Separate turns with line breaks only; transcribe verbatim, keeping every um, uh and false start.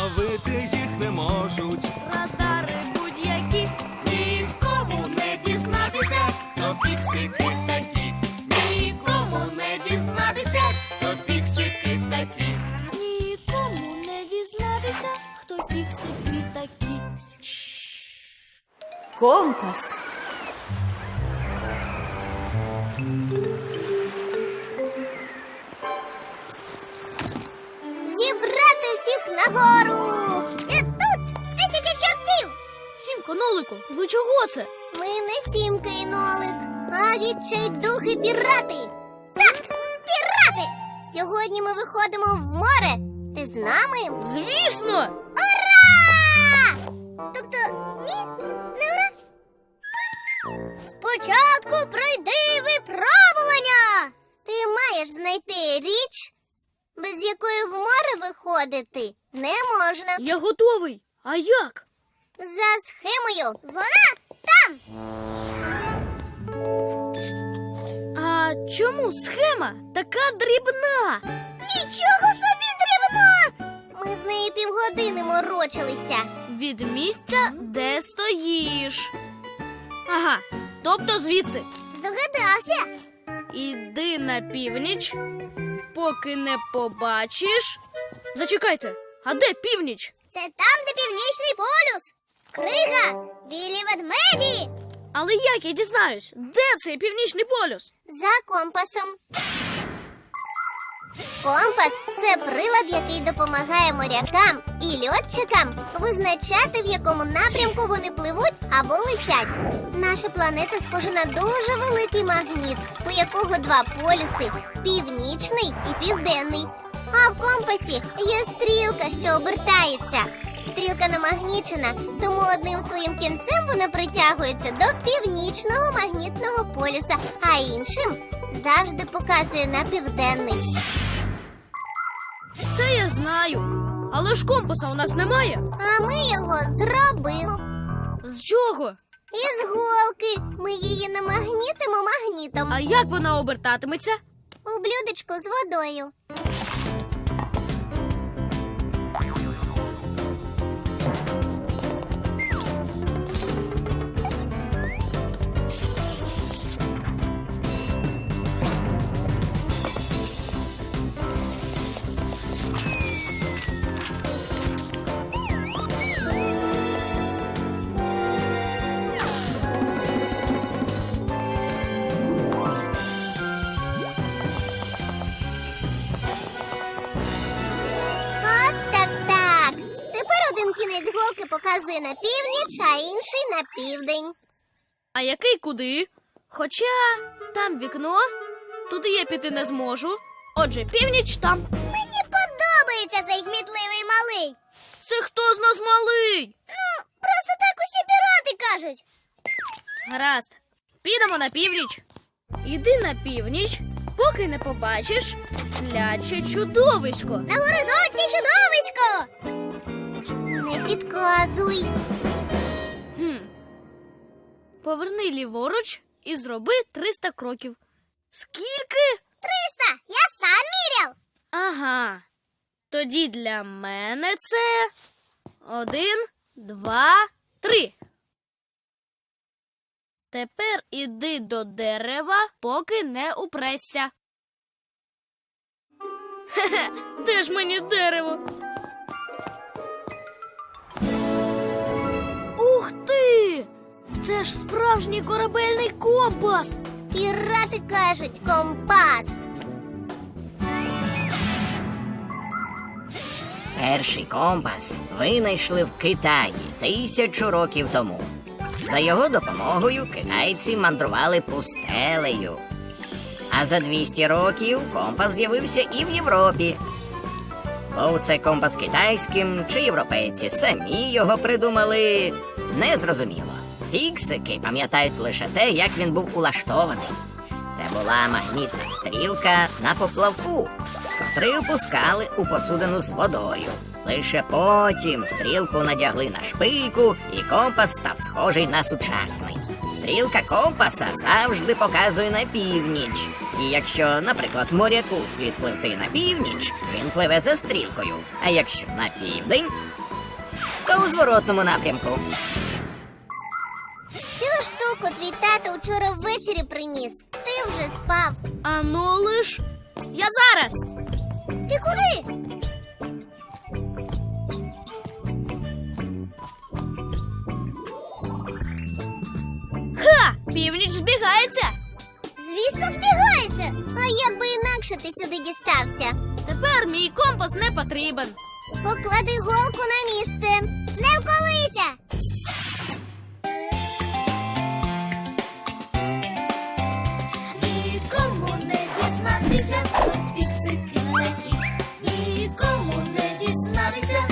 зловити їх не можуть.
Радари будь-які,
Нікому не дізнатися, хто фіксики такі. Нікому не дізнатися, хто фіксики такі.
нікому не дізнатися, хто фіксики такі.
Компас.
Зібрати всіх нагору! І тут тисячі чортів!
Сімко, Нолику, ви чого це?
Ми не Сімка і Нолик, а відчайдухи пірати! Так, пірати! Сьогодні ми виходимо в море. Ти з нами?
Звісно!
Ура! Тобто, ні, не ура? Спочатку пройди випробування! Ти маєш знайти річ, без якої в море виходити не можна.
Я готовий. А як?
За схемою. Вона там.
А чому схема така дрібна?
Нічого собі дрібно! Ми з нею півгодини морочилися.
Від місця, де стоїш. Ага, тобто звідси.
Здогадався?
Іди на північ, поки не побачиш. Зачекайте, а де північ?
Це там, де північний полюс. Крига, білі ведмеді.
Але як я дізнаюсь, де цей північний полюс?
За компасом. Компас – це прилад, який допомагає морякам і льотчикам визначати, в якому напрямку вони пливуть або летять. Наша планета схожа на дуже великий магніт, у якого два полюси – північний і південний. А в компасі є стрілка, що обертається. Стрілка намагнічена, тому одним своїм кінцем вона притягується до північного магнітного полюса, а іншим завжди показує на південний.
Це я знаю. Але ж компаса у нас немає.
А ми його зробимо.
З чого?
Із голки. Ми її намагнітимо магнітом.
А як вона обертатиметься?
У блюдечку з водою. От так так. Тепер один кінець голки показує на північ, а інший на південь.
А який куди? Хоча там вікно, туди я піти не зможу. Отже, північ там.
Мені подобається цей гмітливий малий.
Це хто з нас малий?
Ну, просто так усі пірати кажуть.
Гаразд, підемо на північ. Іди на північ, поки не побачиш спляче чудовисько.
На горизонті чудовисько. Не підказуй.
Хм. Поверни ліворуч і зроби триста кроків. Скільки?
Триста. Я сам міряв.
Ага. Тоді для мене це один, два, три. Тепер іди до дерева, поки не упресся. Хе-хе, де ж мені дерево? Ух ти! Це ж справжній корабельний компас!
Пірати кажуть компас.
Перший компас винайшли в Китаї тисячу років тому. За його допомогою китайці мандрували пустелею. А за двісті років компас з'явився і в Європі. Був це компас китайським, чи європейці самі його придумали, незрозуміло. Фіксики пам'ятають лише те, як він був улаштований. Це була магнітна стрілка на поплавку, котрий опускали у посудину з водою. Лише потім стрілку надягли на шпильку, і компас став схожий на сучасний. стрілка компаса завжди показує на північ. І якщо, наприклад, моряку слід пливти на північ, він пливе за стрілкою. А якщо на південь, то у зворотному напрямку.
Цю штуку твій тато вчора ввечері приніс. Ти вже спав.
А ну лиш. Я зараз.
Ти куди?
Ха! Північ збігається.
Звісно, збігається. А як би інакше ти сюди дістався?
Тепер мій компас не потрібен.
Поклади голку на місце. Не вколися.
Нікому не дізнатися, хто фіксики такі. Нікому не дізнатися,